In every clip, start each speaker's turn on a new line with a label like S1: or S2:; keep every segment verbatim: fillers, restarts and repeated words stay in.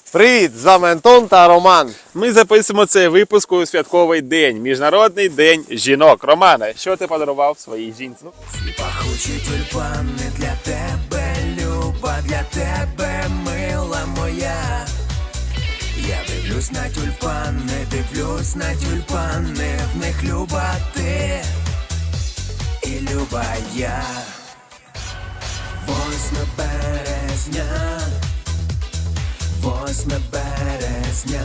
S1: Привіт! З вами Антон та Роман.
S2: Ми записуємо цей випуск у святковий день, Міжнародний день жінок. Романе, що ти подарував своїй жінці?
S3: Ці пахучі тюльпани для тебе, люба, для тебе, мила моя. Я дивлюсь на тюльпани, дивлюсь на тюльпани, в них люба ти і люба я. Восьме березня, восьме березня.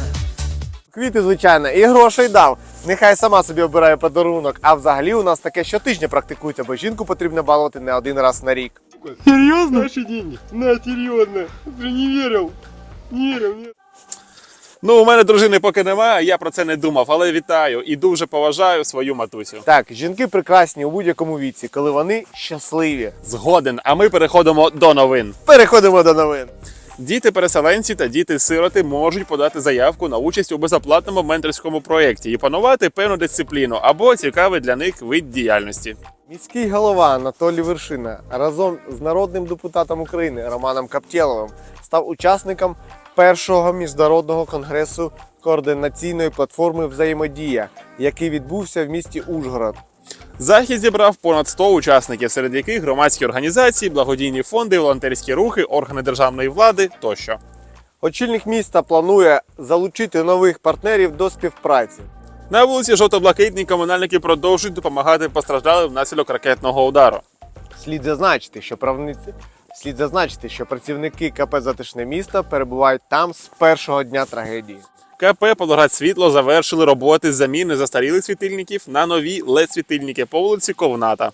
S1: Квіти, звичайно, і грошей дав. Нехай сама собі обирає подарунок. А взагалі у нас таке щотижня практикується, бо жінку потрібно балувати не один раз на рік.
S4: Серьезно? Наши деньги? На, серьезно. Ты не верил? Не верил, нет.
S2: Ну, у мене дружини поки немає, я про це не думав, але вітаю і дуже поважаю свою матусю.
S1: Так, жінки прекрасні у будь-якому віці, коли вони щасливі.
S2: Згоден, а ми переходимо до новин.
S1: Переходимо до новин.
S2: Діти-переселенці та діти-сироти можуть подати заявку на участь у безоплатному менторському проєкті і панувати певну дисципліну або цікавий для них вид діяльності.
S1: Міський голова Анатолій Вершина разом з народним депутатом України Романом Каптєловим став учасником першого міжнародного конгресу координаційної платформи «Взаємодія», який відбувся в місті Ужгород.
S2: Захід зібрав понад сто учасників, серед яких громадські організації, благодійні фонди, волонтерські рухи, органи державної влади тощо.
S1: Очільник міста планує залучити нових партнерів до співпраці.
S2: На вулиці Жовто-Блакитній комунальники продовжують допомагати постраждалим внаслідок ракетного удару.
S1: Слід зазначити, що правниці... Слід зазначити, що працівники КП «Затишне місто» перебувають там з першого дня трагедії.
S2: КП «Павлоград Світло» завершили роботи з заміни застарілих світильників на нові лед-світильники по вулиці Ковната.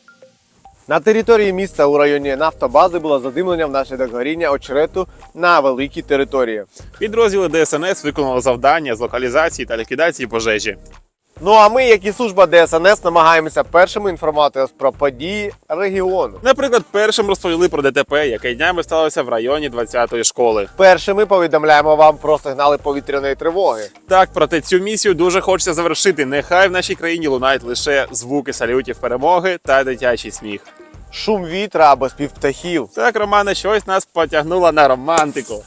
S1: На території міста у районі нафтобази було задимлення внаслідок горіння очерету на великій території.
S2: Підрозділи ДСНС виконали завдання з локалізації та ліквідації пожежі.
S1: Ну а ми, як і служба ДСНС, намагаємося першими інформувати вас про події регіону.
S2: Наприклад, першим розповіли про ДТП, яке днями сталося в районі двадцятої школи.
S1: Першими повідомляємо вам про сигнали повітряної тривоги.
S2: Так, проте цю місію дуже хочеться завершити. Нехай в нашій країні лунають лише звуки салютів перемоги та дитячий сміх.
S1: Шум вітра або спів птахів.
S2: Так, Романе, щось нас потягнуло на романтику.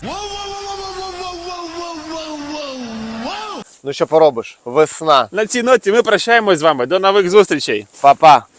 S1: Ну що поробиш? Весна.
S2: На цій ноті ми прощаємось з вами. До нових зустрічей.
S1: Па-па.